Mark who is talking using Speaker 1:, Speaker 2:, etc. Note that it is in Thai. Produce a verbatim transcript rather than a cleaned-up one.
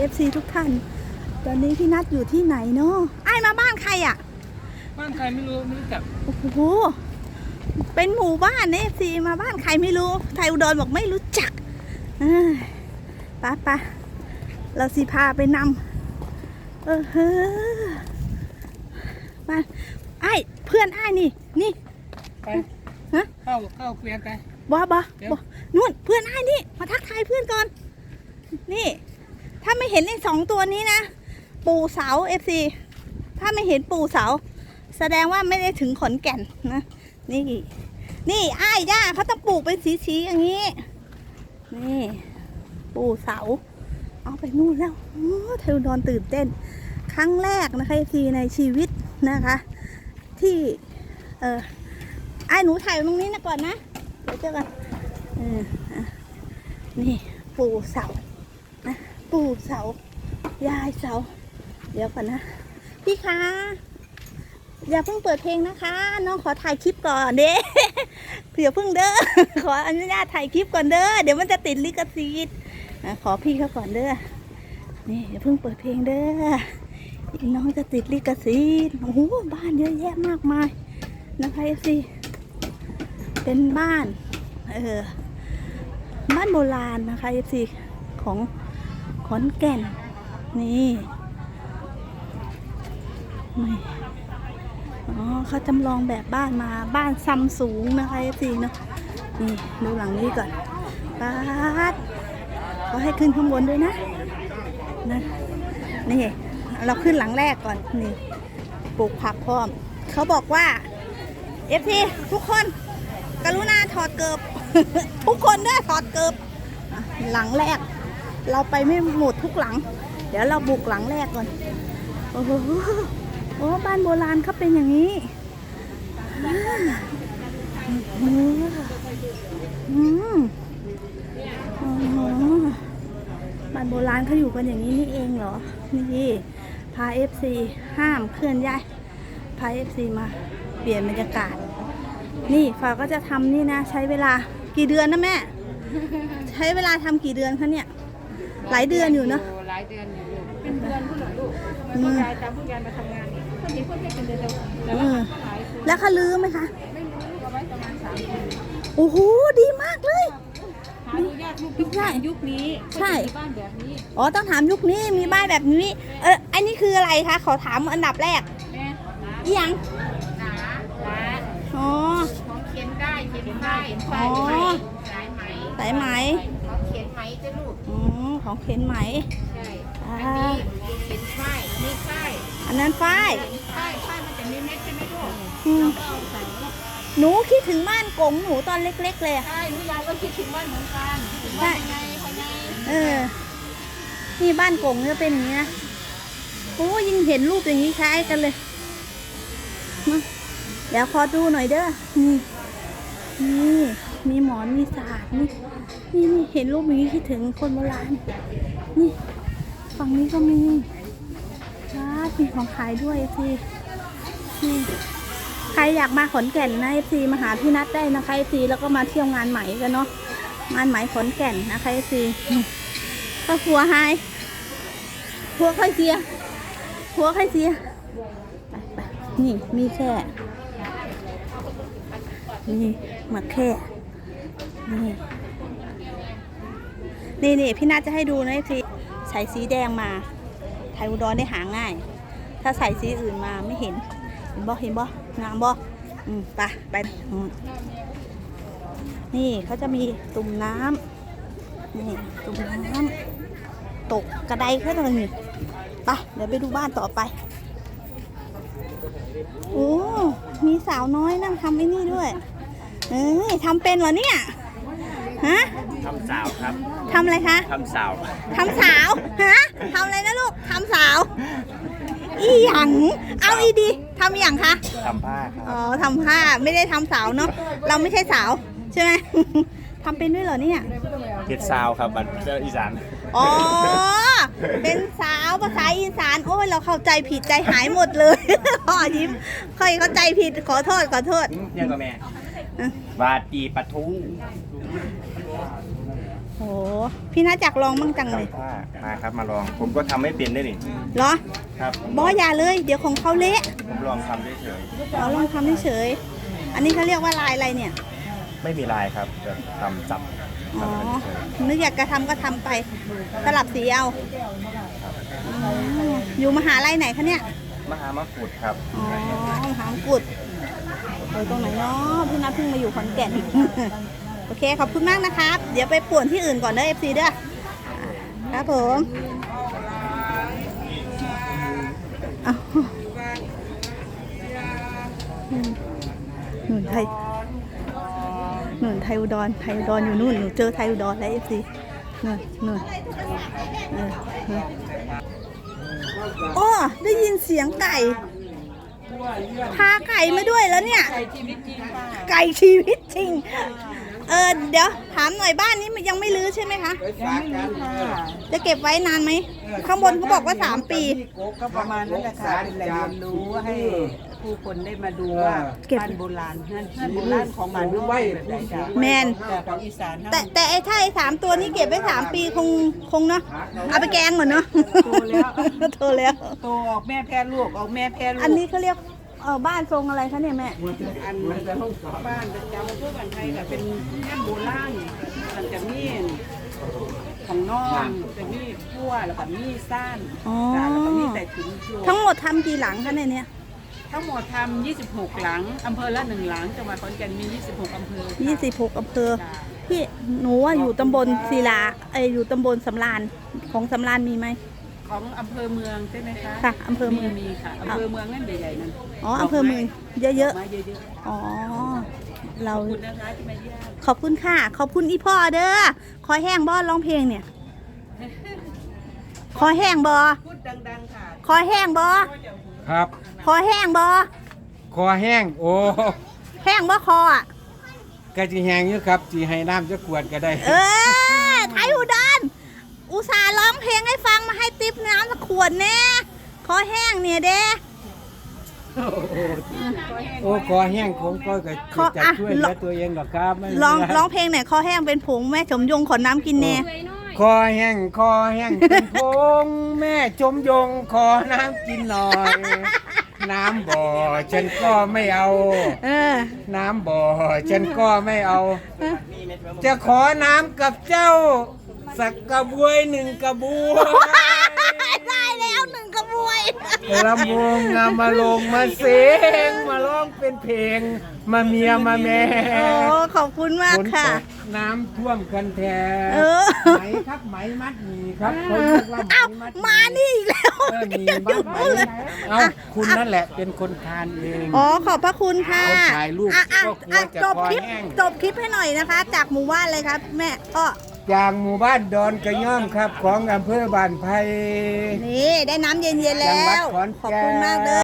Speaker 1: อฟซีทุกท่านตอนนี้พี่นัทอยู่ที่ไหนเนาะไอ้มาบ้านใครอ่ะ
Speaker 2: บ้านใครไม่รู้ไม่รู้จัก
Speaker 1: โอ้โหเป็นหมู่บ้านเอฟซีมาบ้านใครไม่รู้ไทยอุดรบอกไม่รู้จักป้าป้าเราสิพาไปนำเออเฮ้อบ้านไอ้เพื่อนไอ้นี่นี่
Speaker 2: ไปฮะเข้าเข้าเกวียนไป
Speaker 1: บ้าบ้าบ้านู่นเพื่อนไอ้นี่มาทักทายเพื่อนก่อนนี่ถ้าไม่เห็นไอ้สองตัวนี้นะปู่เสาเอฟซีถ้าไม่เห็นปู่เสาแสดงว่าไม่ได้ถึงขอนแก่นนะนี่นี่ไอ้ย่าเขาต้องปลูกเป็นสีๆอย่างนี้นี่ปู่เสาเอาไปนู่นแล้วโอ้เทวดอนตื่นเต้นครั้งแรกนะคะเอฟซีในชีวิตนะคะที่เออไอ้หนูถ่ายตรงนี้นะก่อนนะเดี๋ยวเจอกันเออนี่ปู่เสานะปู่เสายายเสาเดี๋ยวก่อนนะพี่คะอย่าเพิ่งเปิดเพลงนะคะน้องขอถ่ายคลิปก่อนเด้เดี๋ยวเพิ่งเด้อขออนุญาตถ่ายคลิปก่อนเด้อเดี๋ยวมันจะติดลิขสิทธิ์ขอพี่เขาก่อนเด้อนี่อย่าเพิ่งเปิดเพลงเด้อน้องจะติดลิขสิทธิ์โอ้โหบ้านเยอะแยะมากมายนะคะเอฟซีเป็นบ้านเออบ้านโบราณนะคะเอฟซีของขอนแก่นนี่นี่อ๋อเขาจำลองแบบบ้านมาบ้านซ้ำสูงนะคะเอฟซีเนาะนี่ดูหลังนี้ก่อนป้าดเขาให้ขึ้นข้างบนด้วยนะนะนี่เราขึ้นหลังแรกก่อนนี่ปลูกผักพร้อมเขาบอกว่าเอฟซีทุกคนกรุณาถอดเกิบ ทุกคนด้วยถอดเกิบหลังแรกเราไปไม่หมดทุกหลังเดี๋ยวเราบุกหลังแรกก่อนโอ้โหโอ้บ้านโบราณเขาเป็นอย่างนี้อืมบ้านโบราณเขาอยู่กันอย่างนี้นี่เองเหรอนี่พาเอฟซีห้ามเคลื่อนย้ายพาเอฟซีมาเปลี่ยนบรรยากาศนี่ฝาก็จะทำนี่นะใช้เวลากี่เดือนนะแม่ใช้เวลาทำกี่เดือนคะเนี่ยหลายเดือนอยู่เนาะ
Speaker 3: หลายเดือนอยู่เป็นเดือนผู้หลังลูกมันผู้ยายตามผู้ยายมาทำงานคนนี้คนนี้เป็นเดือนเดียวแล้วก็หลายคน
Speaker 1: แล้วเขาลืมไหมคะ
Speaker 3: ไม่รู้เอาไว้ประมาณสามเดือน
Speaker 1: โอ้โหดีมากเลย
Speaker 3: หาดูยากยุคยุคนี้ใช่บ้านแบบนี้
Speaker 1: อ๋อต้องถามยุคนี้มีบ้านแบบนี้เอออันนี้คืออะไรคะขอถามอันดับแรก
Speaker 3: แม่
Speaker 1: อีหยัง
Speaker 3: หนาหนา
Speaker 1: อ๋อ
Speaker 3: ของเขียนได้เขียนได้
Speaker 1: อ๋อ
Speaker 3: สายไหม
Speaker 1: สายไหม
Speaker 3: ของเขียนไหมจะลูก
Speaker 1: อ๋อของเขียนไหม
Speaker 3: ใช่อันนี้เขียนฝ้ายอันนี้ฝ้าย
Speaker 1: อันนั้นฝ้าย
Speaker 3: ฝ้ายฝ้ายมันจะมีเม็ดใช่ไหมลูกเราก็เอาใส่
Speaker 1: หนูคิดถึงบ้านกงหนูตอนเล็กๆเลย
Speaker 3: ใช่หนูยายก็คิดถึงบ้านเหมือนกันบ้านยังไงภายใน
Speaker 1: เออนี่บ้านกงจะเป็นอย่างนี้นะโอ้ยิ่งเห็นรูปอย่างนี้คล้ายกันเลยมาเดี๋ยวขอดูหน่อยเด้อนี่นี่มีหมอนมีศาสตร์นี่นี่นี่เห็นรูปอย่างนี้คิดถึงคนโบราณนี่ฝั่งนี้ก็มีร้านมีของขายด้วยสินี่ใครอยากมาขอนแก่นนะเอฟซีมาหาพี่นัทได้นะคะเอฟซีแล้วก็มาเที่ยวงานไหมกันเนาะงานไหมขอนแก่นนะคะเอฟซีก็หัวไฮหัวใครเสียหัวใครเสียไปๆนี่มีแค่นี่มาแค่นี่นี่นี่พี่นัทจะให้ดูนะสิใส่สีแดงมาไทยอุดรได้หาง่ายถ้าใส่สีอื่นมาไม่เห็นเห็นบ่เห็นบ่งามบ่อืมไปไปนี่เขาจะมีตุ่มน้ำนี่ตุ่มน้ำตกกระไดแค่ตรงนี้ไปเดี๋ยวไปดูบ้านต่อไปโอ้มีสาวน้อยนั่งทำไอ้นี่ด้วยเอ้ยทำเป็นเหรอเนี่ยฮะ
Speaker 2: ทำสาวครับ
Speaker 1: ทำอะไรคะ
Speaker 2: ทำสาว
Speaker 1: ทำสาวฮะทำอะไรนะลูกทำสาวอีหยังเอาอีดีทำอย่างคะ
Speaker 2: ทำผ้าครับ
Speaker 1: อ๋อทำผ้าไม่ได้ทำสาวเนาะเราไม่ใช่สาวใช่ไหมทำเป็นด้วยเหรอเนี่ย
Speaker 2: เฮ็ดสาวครับบัดอีสาน
Speaker 1: อ๋อเป็นสาวภาษาอีสานโอ้ยเราเข้าใจผิดใจหายหมดเลยพ่อยิ้มค่อยเข้าใจผิดขอโทษขอโทษ
Speaker 2: ยังกับแม่บาตีปะทู
Speaker 1: โอ้พี่น่าจักลองมั่งจังเลย
Speaker 2: ว่ามาครับมาลอง ผมก็ทำไม่เป็นได้นี่
Speaker 1: เหรอ
Speaker 2: ครับ
Speaker 1: บออย่าเลย เดี๋ยวของเขาเละ
Speaker 2: ผมลองทำเฉย
Speaker 1: เราลองทำเฉยๆอันนี้เขาเรียกว่าลายอะไรเนี่ย
Speaker 2: ๆไม่มีลายครับจะทำจับ
Speaker 1: อ๋อ
Speaker 2: ทำเฉย
Speaker 1: นึกอยากจะทำก็ทำไป สลับสีเอาอ๋ออยู่มหาลัยไหนคะเนี่ย
Speaker 2: ๆมหามะกรูดครับ
Speaker 1: อ๋อมหามกุฎเออตรงไหนเนาะพี่นัทเพิ่งมาอยู่ขอนแก่น โอเค ขอบคุณมากนะครับ เดี๋ยวไปป่วนที่อื่นก่อนเด้อ เอฟ ซี เด้อครับผมอ้าวหนุนไทยหนุนไทยอุดร ไทยอุดรอยู่นู่น หนูเจอไทยอุดรแล้ว เอฟ ซี นู่นนู่นเออเอออ้อได้ยินเสียงไก่ พาไก่มาด้วยแล้วเนี่ย
Speaker 3: ไก่ชีวิตจริงค่ะ
Speaker 1: ไก่ชีวิตจริง เออเดี๋ยวถามหน่อยบ้านนี้มันยังไม่รื้อใช่ไหมคะ
Speaker 3: ยังไม่รู้ค่ะ
Speaker 1: จะเก็บไว้นานไหม ข้างบนเขาบอกว่าสามปี
Speaker 3: ก็ประมาณนั้นแหละค่ะเป็นแหล่งเรียนรู้ให้ผู้คนได้มาดูว่า
Speaker 1: เก็บ
Speaker 3: บ้านโบราณเฮือนเฮือนโบราณของบ้านนอกเป็นแบบไหนจ้ะ
Speaker 1: แมน
Speaker 3: แต่ของอีสาน
Speaker 1: แต่แต่ไอ้ถ้าไอ้สามตัวนี้เก็บไว้สามปีคงคงเนาะ เอาไปแกงเหมือนเนาะ
Speaker 3: โตแล้ว
Speaker 1: โตแล้ว
Speaker 3: โตออกแม่แพ้ลูกออกแม่แพ้ลูก
Speaker 1: อันนี้เขาเรียกเออบ้านทรงอะไรคะเนี่ยแม่
Speaker 3: อันบ้านประจำทั่วบ้านไทยค่ะเป็นแม่โบราณมันจะมีของน้องจะมีพั่วแล้วก็มีซ่าน
Speaker 1: อ๋อ
Speaker 3: จ้ะแล้วก็มีแต่ถุงโย
Speaker 1: ทั้งหมดทำกี่หลังคะในเนี้ย
Speaker 3: ทั้งหมดทำยี่สิบหกหลังอำเภอละหนึ่งหลังจังหวัดขอนแก่นมียี่สิบหกอำเภอค่ะ
Speaker 1: ยี่สิบหกอำเภอ พี่หนูอะอยู่ตำบลศิลาเอยอยู่ตำบลสำราญของสำราญมีไหม
Speaker 3: ของอำเภอเมืองใช่ไหมคะ
Speaker 1: ค่ะอำเภอเมือง
Speaker 3: มีค่ะอำเภอเมืองนั่นใหญ่ๆนั่น
Speaker 1: อ๋ออำเภอเมืองเยอะ
Speaker 3: ๆมาเยอะ
Speaker 1: ๆ อ๋อ เรา
Speaker 3: ๆขอบคุณนะคะที่มาเยี่ยม
Speaker 1: ขอบคุณค่ะ ขอบคุณอีพ่อเด้อ คอแห้งบอร้องเพลงเนี่ย คอแห้งบอ
Speaker 3: พูดดังๆค่ะ
Speaker 1: คอแห้งบอ
Speaker 4: ครับ
Speaker 1: คอแห้งบอ
Speaker 4: คอแห้ง โอ้
Speaker 1: แห้งบอคออ่ะ
Speaker 4: กะจิแห้งอยู่ครับจีให้น้ำจะกวดก็ได้
Speaker 1: เออไทยอุดรอุตส่าห์ร้องเพลงให้ฟังมาให้ติ๊บน้ำสักขวดแน่คอแห้งเนี่ยเด้
Speaker 4: โอ้คอแห้งผมก็จะ
Speaker 1: ขอ
Speaker 4: จะ
Speaker 1: อ่ะ
Speaker 4: ช่วยเหลือตัวเองหรอกครับไม่มี
Speaker 1: ร้อง
Speaker 4: ะไร
Speaker 1: ร้องเพลงเนี่ยคอแห้งเป็นผงแม่สมยงขอน้ำกินแน่
Speaker 4: คอแห้งคอแห้งเป็นพงแม่จมยงขอน้ำกินหน่อย น้ำบ่อฉันก็ไม่เอา
Speaker 1: เออ
Speaker 4: น้ำบ่อฉันก็ไม่เอา จะขอน้ำกับเจ้า สักกระบวยหนึ่งกระบวย
Speaker 1: ได้แล้วหนึ่งกระบวย
Speaker 4: ลำวงงามาลงมาเสียงมาร้องเป็นเพลง มาเมียมาแม่
Speaker 1: โอ้ขอบคุณมาก
Speaker 4: ฝน
Speaker 1: ค่ะ
Speaker 4: ตกน้ำท่วมกันแท
Speaker 1: เออ
Speaker 4: ไหมครับไหมมัดหมีครับเขาเรียกว่าไหม
Speaker 1: เอ้า
Speaker 4: มัดห
Speaker 1: มานี่อีกแล้ว
Speaker 4: เออมีบ้านไหมเอาคุณนั่นแหละเป็นคนทานเอง
Speaker 1: อ๋อขอบพระคุณค่ะ
Speaker 4: เอาถ่ายรูป
Speaker 1: อ่ะอ่ะ
Speaker 4: ก็กลัว
Speaker 1: อ่ะ
Speaker 4: จะ
Speaker 1: จบคลิป
Speaker 4: คอแห้ง
Speaker 1: จบคลิปให้หน่อยนะคะ จากหมู่บ้านเลยครับ แม่อ้อ
Speaker 4: จากหมู่บ้านดอนกระย่อมครับของอำเภอบ้านไผ่
Speaker 1: นี่ได้น้ำเย็นๆ
Speaker 4: จังหวั
Speaker 1: แล้
Speaker 4: ด
Speaker 1: ว
Speaker 4: ขอนแก่น
Speaker 1: ขอบคุณมากเลย